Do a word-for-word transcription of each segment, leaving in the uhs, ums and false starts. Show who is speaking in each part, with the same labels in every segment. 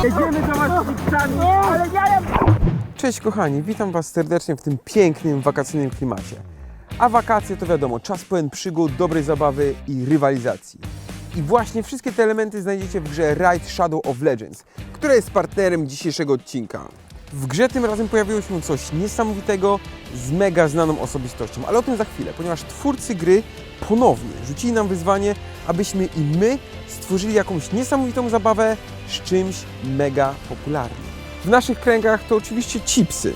Speaker 1: Jedziemy do was z chipsami, ale ja...
Speaker 2: Cześć kochani, witam was serdecznie w tym pięknym, wakacyjnym klimacie. A wakacje to wiadomo, czas pełen przygód, dobrej zabawy i rywalizacji. I właśnie wszystkie te elementy znajdziecie w grze Raid Shadow of Legends, która jest partnerem dzisiejszego odcinka. W grze tym razem pojawiło się coś niesamowitego z mega znaną osobistością, ale o tym za chwilę, ponieważ twórcy gry ponownie rzucili nam wyzwanie, abyśmy i my stworzyli jakąś niesamowitą zabawę z czymś mega popularnym. W naszych kręgach to oczywiście chipsy.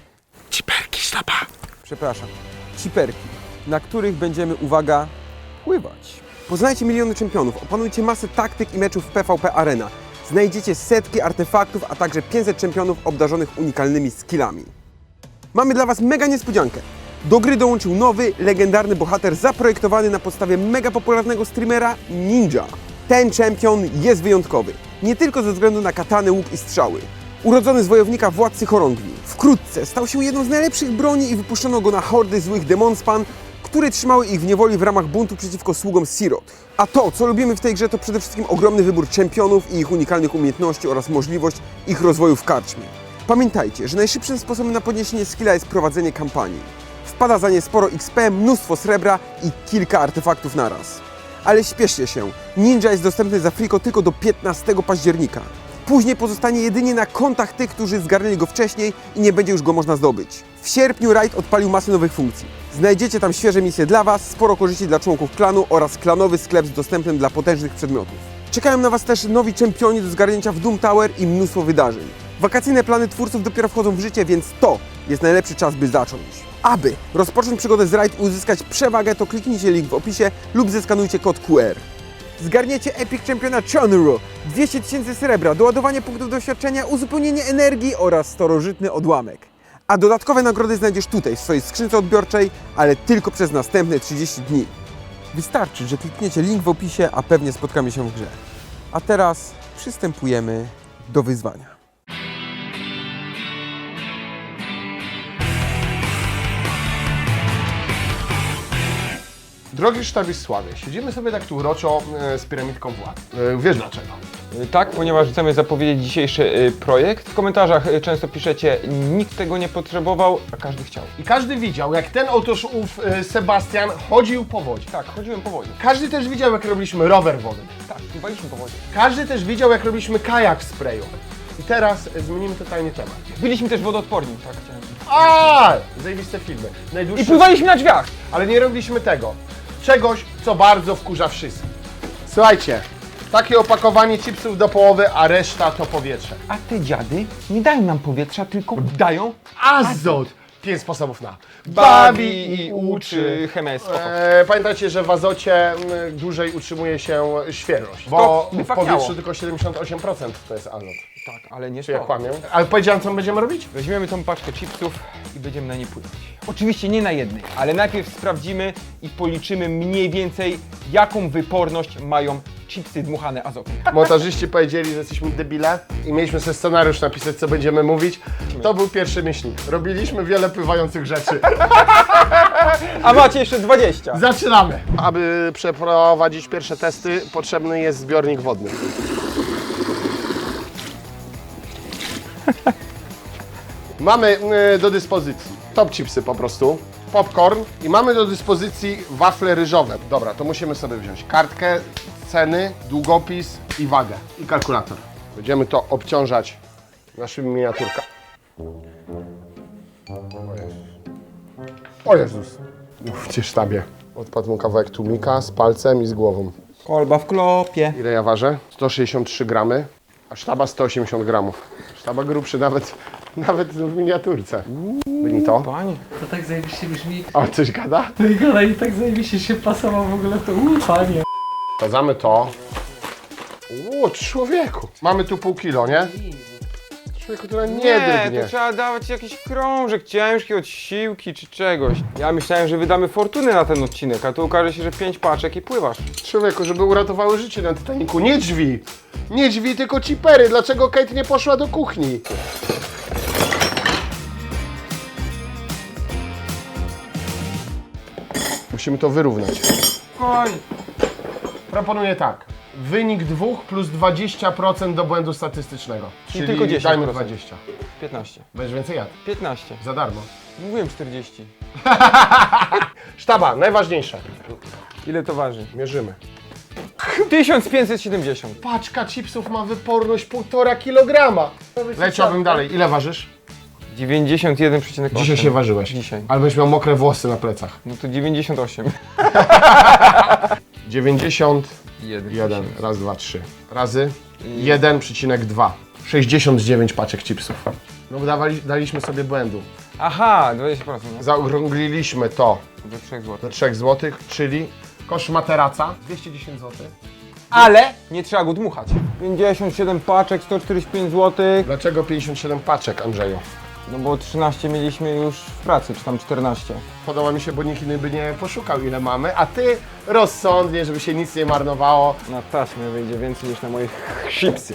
Speaker 2: Ciperki, sztapa. Przepraszam, ciperki, na których będziemy, uwaga, pływać. Poznajcie miliony czempionów, opanujcie masę taktyk i meczów w P V P Arena. Znajdziecie setki artefaktów, a także pięćset czempionów obdarzonych unikalnymi skillami. Mamy dla was mega niespodziankę. Do gry dołączył nowy, legendarny bohater zaprojektowany na podstawie mega popularnego streamera Ninja. Ten czempion jest wyjątkowy, nie tylko ze względu na katany, łuk i strzały. Urodzony z wojownika władcy chorągwi, wkrótce stał się jedną z najlepszych broni i wypuszczono go na hordy złych demonspan, które trzymały ich w niewoli w ramach buntu przeciwko sługom Sirot. A to, co lubimy w tej grze, to przede wszystkim ogromny wybór czempionów i ich unikalnych umiejętności oraz możliwość ich rozwoju w karczmie. Pamiętajcie, że najszybszym sposobem na podniesienie skilla jest prowadzenie kampanii. Wpada za nie sporo X P, mnóstwo srebra i kilka artefaktów naraz. Ale śpieszcie się, Ninja jest dostępny za friko tylko do piętnastego października. Później pozostanie jedynie na kontach tych, którzy zgarnęli go wcześniej i nie będzie już go można zdobyć. W sierpniu Raid odpalił masę nowych funkcji. Znajdziecie tam świeże misje dla was, sporo korzyści dla członków klanu oraz klanowy sklep z dostępem dla potężnych przedmiotów. Czekają na was też nowi czempioni do zgarnięcia w Doom Tower i mnóstwo wydarzeń. Wakacyjne plany twórców dopiero wchodzą w życie, więc to jest najlepszy czas, by zacząć. Aby rozpocząć przygodę z Raid i uzyskać przewagę, to kliknijcie link w opisie lub zeskanujcie kod Q R. Zgarniecie Epic Czempiona Chonru, dwieście tysięcy srebra, doładowanie punktów doświadczenia, uzupełnienie energii oraz starożytny odłamek. A dodatkowe nagrody znajdziesz tutaj, w swojej skrzynce odbiorczej, ale tylko przez następne trzydzieści dni. Wystarczy, że klikniecie link w opisie, a pewnie spotkamy się w grze. A teraz przystępujemy do wyzwania.
Speaker 3: Drogi Sztabisławie, siedzimy sobie tak tu uroczo e, z piramidką władz. E, wiesz dlaczego?
Speaker 2: Tak, ponieważ chcemy zapowiedzieć dzisiejszy y, projekt. W komentarzach y, często piszecie, nikt tego nie potrzebował, a każdy chciał.
Speaker 3: I każdy widział, jak ten otóż ów e, Sebastian chodził po wodzie.
Speaker 2: Tak, chodziłem po wodzie.
Speaker 3: Każdy też widział, jak robiliśmy rower wodny.
Speaker 2: Tak, pływaliśmy po wodzie.
Speaker 3: Każdy też widział, jak robiliśmy kajak w sprayu. I teraz e, zmienimy totalnie temat.
Speaker 2: Byliśmy też wodoodporni, tak chciałem.
Speaker 3: A, zajebiste filmy. Najdłuższe...
Speaker 2: I pływaliśmy na drzwiach!
Speaker 3: Ale nie robiliśmy tego. Czegoś, co bardzo wkurza wszystkich. Słuchajcie, takie opakowanie chipsów do połowy, a reszta to powietrze.
Speaker 2: A te dziady nie dają nam powietrza, tylko dają
Speaker 3: Azot! Pięć sposobów na
Speaker 2: bawi i uczy chemesko.
Speaker 3: E, pamiętajcie, że w azocie m, dłużej utrzymuje się świeżość, bo
Speaker 2: by
Speaker 3: w
Speaker 2: fakniało.
Speaker 3: powietrzu tylko siedemdziesiąt osiem procent to jest azot.
Speaker 2: Tak, ale nie
Speaker 3: Czy ja
Speaker 2: to.
Speaker 3: kłamię? Ale powiedziałem, co my będziemy robić?
Speaker 2: Weźmiemy tą paczkę chipsów i będziemy na niej pływać. Oczywiście nie na jednej, ale najpierw sprawdzimy i policzymy mniej więcej, jaką wyporność mają chipsy dmuchane azotem.
Speaker 3: Montażyści powiedzieli, że jesteśmy debile i mieliśmy sobie scenariusz napisać, co będziemy mówić. To był pierwszy myślnik. Robiliśmy wiele pływających rzeczy.
Speaker 2: A macie jeszcze dwadzieścia.
Speaker 3: Zaczynamy! Aby przeprowadzić pierwsze testy, potrzebny jest zbiornik wodny. Mamy y, do dyspozycji top chipsy po prostu, popcorn i mamy do dyspozycji wafle ryżowe. Dobra, to musimy sobie wziąć kartkę, ceny, długopis i wagę i kalkulator. Będziemy to obciążać naszymi miniaturkami. O Jezus! Mówcie sztabie. Odpadł mu kawałek tłumika z palcem i z głową.
Speaker 2: Kolba w klopie.
Speaker 3: Ile ja ważę? sto sześćdziesiąt trzy gramy, a sztaba sto osiemdziesiąt gramów. Sztaba grubszy nawet, nawet w miniaturce. Byli to?
Speaker 2: Panie.
Speaker 4: To tak zajebiście brzmi.
Speaker 3: O, coś gada?
Speaker 4: No i gada i tak zajebiście się pasował w ogóle to ufanie.
Speaker 3: Sprawdzamy to. O, człowieku! Mamy tu pół kilo, nie? Człowieku, to nie,
Speaker 2: Nie,
Speaker 3: drgnie.
Speaker 2: to trzeba dawać jakiś krążek ciężki od siłki czy czegoś. Ja myślałem, że wydamy fortunę na ten odcinek, a tu okaże się, że pięć paczek i pływasz.
Speaker 3: Człowieku, żeby uratowały życie na Titaniku. Nie drzwi! Nie drzwi, tylko cipery. Dlaczego Kate nie poszła do kuchni? Musimy to wyrównać.
Speaker 2: Koń.
Speaker 3: Proponuję tak. wynik dwóch plus dwadzieścia procent do błędu statystycznego. Czyli
Speaker 2: tylko dziesięć
Speaker 3: dajmy
Speaker 2: procent.
Speaker 3: dwadzieścia.
Speaker 2: piętnaście.
Speaker 3: Będziesz więcej jadł.
Speaker 2: piętnaście.
Speaker 3: Za darmo.
Speaker 2: Mówiłem czterdzieści.
Speaker 3: Sztaba, najważniejsze.
Speaker 2: Ile to waży?
Speaker 3: Mierzymy.
Speaker 2: tysiąc pięćset siedemdziesiąt.
Speaker 3: Paczka chipsów ma wyporność półtora kilograma. Leciałbym dalej. Ile ważysz?
Speaker 2: dziewięćdziesiąt jeden przecinek osiem.
Speaker 3: Dzisiaj się ważyłeś.
Speaker 2: Dzisiaj.
Speaker 3: Ale będziesz miał mokre włosy na plecach.
Speaker 2: No to dziewięćdziesiąt osiem.
Speaker 3: dziewięćdziesiąt jeden. Raz, dwa, trzy. Razy jeden przecinek dwa. sześćdziesiąt dziewięć paczek chipsów. No dawali, daliśmy sobie błędu.
Speaker 2: Aha, dwadzieścia procent. No.
Speaker 3: Zaokrągliliśmy to
Speaker 2: Do trzech
Speaker 3: do
Speaker 2: złotych.
Speaker 3: trzech złotych, czyli koszt materaca dwieście dziesięć złotych.
Speaker 2: Ale nie trzeba go dmuchać. pięćdziesiąt siedem paczek, sto czterdzieści pięć złotych.
Speaker 3: Dlaczego pięćdziesiąt siedem paczek, Andrzeju?
Speaker 2: No bo trzynaście mieliśmy już w pracy, czy tam czternaście.
Speaker 3: Podoba mi się, bo nikt inny by nie poszukał, ile mamy, a ty rozsądnie, żeby się nic nie marnowało.
Speaker 2: Na taśmę wyjdzie więcej niż na moje chipsy.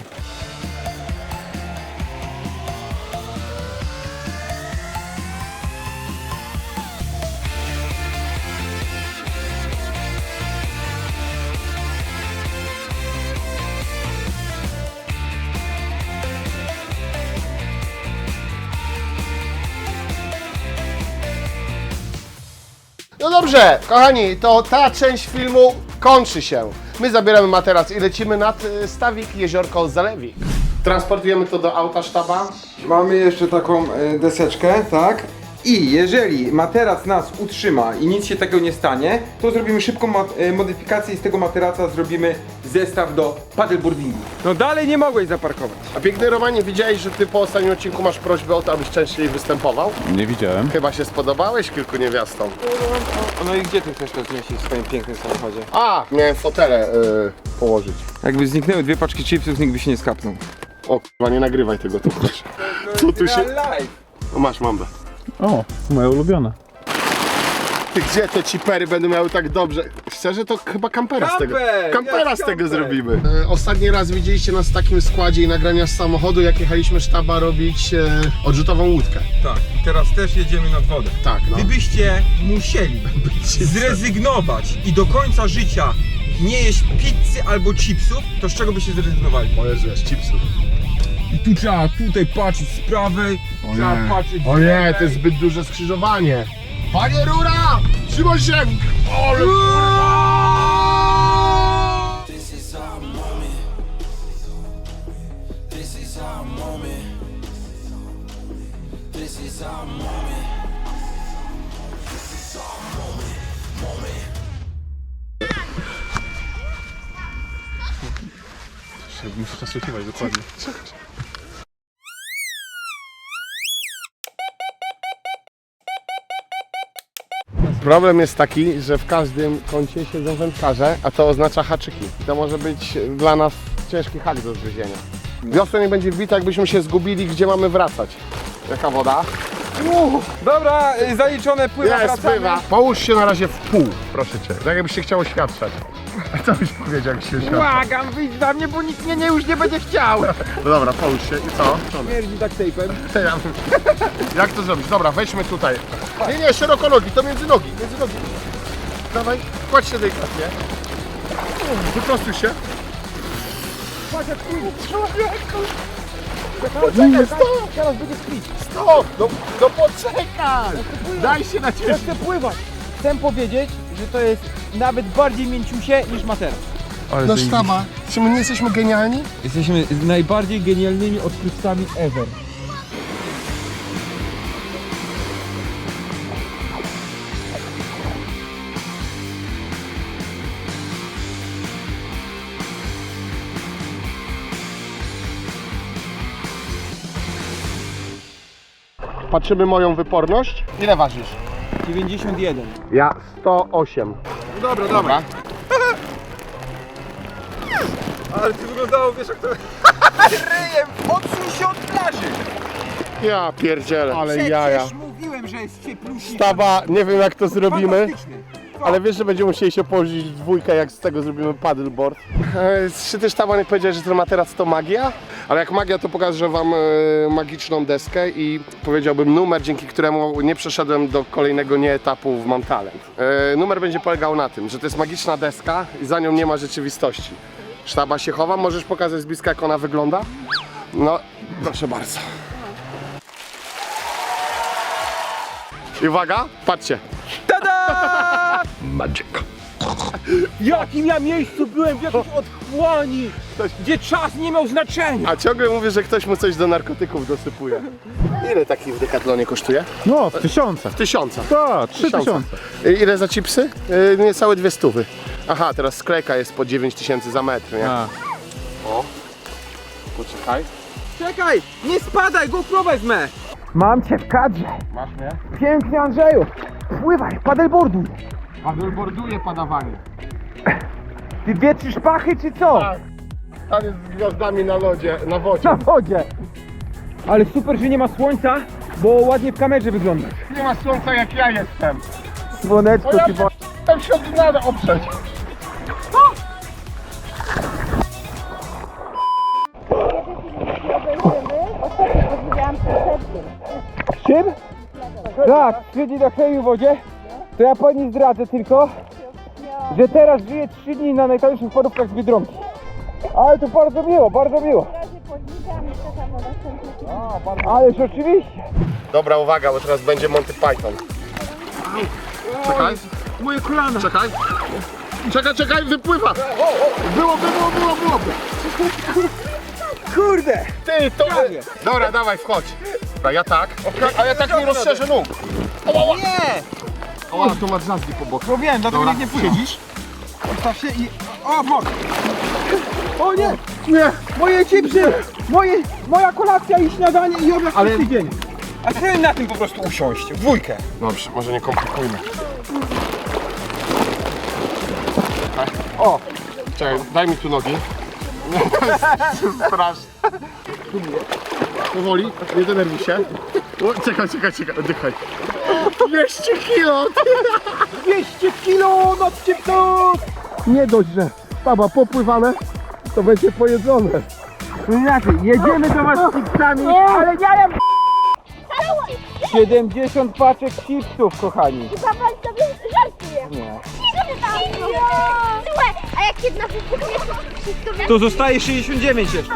Speaker 3: No dobrze, kochani, to ta część filmu kończy się. My zabieramy materac i lecimy nad y, stawik Jeziorko Zalewik. Transportujemy to do auta sztaba.
Speaker 2: Mamy jeszcze taką e, deseczkę, tak? I jeżeli materac nas utrzyma i nic się takiego nie stanie, to zrobimy szybką mo- e, modyfikację i z tego materaca zrobimy zestaw do paddleboardingu. No dalej nie mogłeś zaparkować.
Speaker 3: A piękny Romanie, widziałeś, że ty po ostatnim odcinku masz prośbę o to, abyś częściej występował?
Speaker 5: Nie widziałem.
Speaker 3: Chyba się spodobałeś kilku niewiastom.
Speaker 2: No i gdzie ty chcesz to zmieścić w swoim pięknym samochodzie?
Speaker 3: A, miałem fotele y, położyć.
Speaker 2: Jakby zniknęły dwie paczki chipsów, nikt by się nie skapnął.
Speaker 3: O k***a, nie nagrywaj tego tu, proszę. Co tu się...
Speaker 2: Live.
Speaker 3: No masz, mambę.
Speaker 5: O, moje ulubione.
Speaker 3: Ty, gdzie te cipery będą miały tak dobrze? Szczerze, to chyba kampera z tego.
Speaker 2: Kamper!
Speaker 3: Kampera
Speaker 2: Jak
Speaker 3: z tego
Speaker 2: kamper?
Speaker 3: zrobimy. E, ostatni raz widzieliście nas w takim składzie i nagrania z samochodu, jak jechaliśmy sztaba robić e, odrzutową łódkę.
Speaker 2: Tak, i teraz też jedziemy nad wodę.
Speaker 3: Tak, no.
Speaker 2: Gdybyście musieli zrezygnować i do końca życia nie jeść pizzy albo chipsów, to z czego byście zrezygnowali?
Speaker 3: O Jezu, jest chipsów.
Speaker 2: I tu trzeba tutaj patrzeć z prawej, trzeba patrzeć z
Speaker 3: O nie,
Speaker 2: lewej.
Speaker 3: to jest zbyt duże skrzyżowanie. Panie Rura! Trzymaj się! Ale kurwa!
Speaker 5: Muszę czas usiłować, dokładnie.
Speaker 3: Problem jest taki, że w każdym kącie siedzą wędkarze, a to oznacza haczyki. To może być dla nas ciężki hak do zgryzienia. Wiosna nie będzie wbita, jakbyśmy się zgubili, gdzie mamy wracać. Jaka woda?
Speaker 2: Dobra, y, zaliczone, pływa,
Speaker 3: Jest,
Speaker 2: wracamy.
Speaker 3: pływa. Połóż się na razie w pół, proszę cię. Tak jakbyś się chciał oświadczać. A co byś powiedział, jak się oświadczał?
Speaker 2: Błagam, wyjdź za mnie, bo nikt mnie nie, już nie będzie chciał.
Speaker 3: No dobra, połóż się i co?
Speaker 2: Śmierdzi tak tejpem.
Speaker 3: Jak to zrobić? Dobra, wejdźmy tutaj. Nie, nie, szeroko nogi, to między nogi, między nogi. Dawaj, kładź się delikatnie. Wyprostuj się. Poczekaj, stop!
Speaker 1: Teraz będzie spić.
Speaker 3: Stop! No, no poczekaj! Daj się na
Speaker 1: Ja
Speaker 3: ciebie.
Speaker 1: chcę pływać. Chcę powiedzieć, że to jest nawet bardziej mięciusie niż materac.
Speaker 3: No sztaba, czy my nie jesteśmy genialni?
Speaker 2: Jesteśmy najbardziej genialnymi odkrywcami ever.
Speaker 3: Patrzymy moją wyporność. Ile ważysz?
Speaker 2: dziewięćdziesiąt jeden.
Speaker 3: Ja sto osiem.
Speaker 2: Dobra, dobra. Ale ty wyglądało, wiesz jak to... Ryjem, odsuń się od plaży!
Speaker 3: Ja pierdzielę, ale
Speaker 2: Przecież
Speaker 3: jaja.
Speaker 2: mówiłem, że jest cieplusi.
Speaker 3: Sztaba, nie wiem jak to zrobimy.
Speaker 2: Fantastyczny.
Speaker 3: Ale wiesz, że będziemy musieli się położyć w dwójkę, jak z tego zrobimy paddleboard. E, Czy też Sztaba nie powiedziałeś, że ten materac to magia? Ale jak magia, to pokażę wam e, magiczną deskę i powiedziałbym numer, dzięki któremu nie przeszedłem do kolejnego nie etapu w Mam Talent. E, numer będzie polegał na tym, że to jest magiczna deska i za nią nie ma rzeczywistości. Sztaba się chowa, możesz pokazać z bliska, jak ona wygląda? No, proszę bardzo. I uwaga, patrzcie.
Speaker 1: Tada!
Speaker 3: Magic.
Speaker 1: W jakim ja miejscu byłem, w jakiejś otchłani, gdzie czas nie miał znaczenia.
Speaker 3: A ciągle mówię, że ktoś mu coś do narkotyków dosypuje. Ile taki w Decathlonie kosztuje?
Speaker 5: No, w tysiącach.
Speaker 3: Tysiąca.
Speaker 5: Tak, trzy tysiące.
Speaker 3: I ile za chipsy? Yy, niecałe dwie stówy. Aha, teraz sklejka jest po dziewięć tysięcy za metr, nie?
Speaker 5: A.
Speaker 3: O, poczekaj.
Speaker 1: Czekaj, nie spadaj, GoPro wezmę. Mam cię w kadrze.
Speaker 3: Masz mnie?
Speaker 1: Pięknie, Andrzeju. Pływaj, paddleboarduj.
Speaker 3: Paddleboarduje padawanie.
Speaker 1: Ty wietrzysz pachy, czy co?
Speaker 3: Tak. Tam jest z gwiazdami na lodzie, na wodzie.
Speaker 1: Na wodzie. Ale super, że nie ma słońca, bo ładnie w kamerze wyglądasz.
Speaker 3: Nie ma słońca jak ja jestem.
Speaker 1: Słoneczko
Speaker 3: O, ja
Speaker 1: ci po...
Speaker 3: tam się od dna oprzeć.
Speaker 1: Czym? Tak, trzy dni na chemii w wodzie. To ja pani zdradzę tylko, że teraz żyję trzy dni na najtańszych parówkach z Biedronki. Ale to bardzo miło, bardzo miło. Ależ oczywiście.
Speaker 3: Dobra, uwaga, bo teraz będzie Monty Python. Czekaj,
Speaker 1: Moje kolana.
Speaker 3: czekaj. Czekaj, czekaj, wypływa. Było, było, było, było.
Speaker 1: Kurde.
Speaker 3: Ty, to... Dobra, dawaj, wchodź. Dobra, ja tak. A ja tak nie rozszerzę nóg.
Speaker 1: Nie.
Speaker 3: O, tu masz drzazgi po boku.
Speaker 1: No wiem, dlatego
Speaker 3: Dobra,
Speaker 1: nikt nie pływa.
Speaker 3: siedzisz?
Speaker 1: Ustaw się i... O, mok. O nie. Nie. Moje chipsy. Moje... Moja kolacja i śniadanie i obiad
Speaker 3: Ale-
Speaker 1: Ale... dzień. A chcę na tym po prostu usiąść, w dwójkę.
Speaker 3: Dobrze, może nie komplikujmy.
Speaker 1: O.
Speaker 3: Czekaj, daj mi tu nogi. To jest straszne. Powoli, nie denerwuj się. O, czekaj, czekaj, czekaj, oddychaj. dwieście kilo!
Speaker 1: dwieście kilo nad chipsów.
Speaker 3: Nie dość, że baba popływane, to będzie pojedzone.
Speaker 1: No inaczej, jedziemy do was z chipsami, ale nie jem. siedemdziesiąt paczek chipsów, kochani.
Speaker 6: Chyba pan sobie żartuje.
Speaker 1: Nie.
Speaker 6: Słuchaj, a jak jedna wybuchnie, to wszystko wiesz?
Speaker 1: To zostaje sześćdziesiąt dziewięć jeszcze.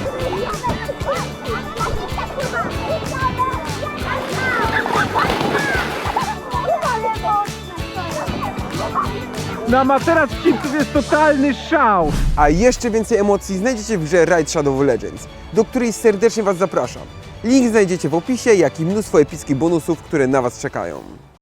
Speaker 1: Na materac chipsów jest totalny szał.
Speaker 2: A jeszcze więcej emocji znajdziecie w grze Raid Shadow Legends, do której serdecznie Was zapraszam. Link znajdziecie w opisie, jak i mnóstwo epickich bonusów, które na Was czekają.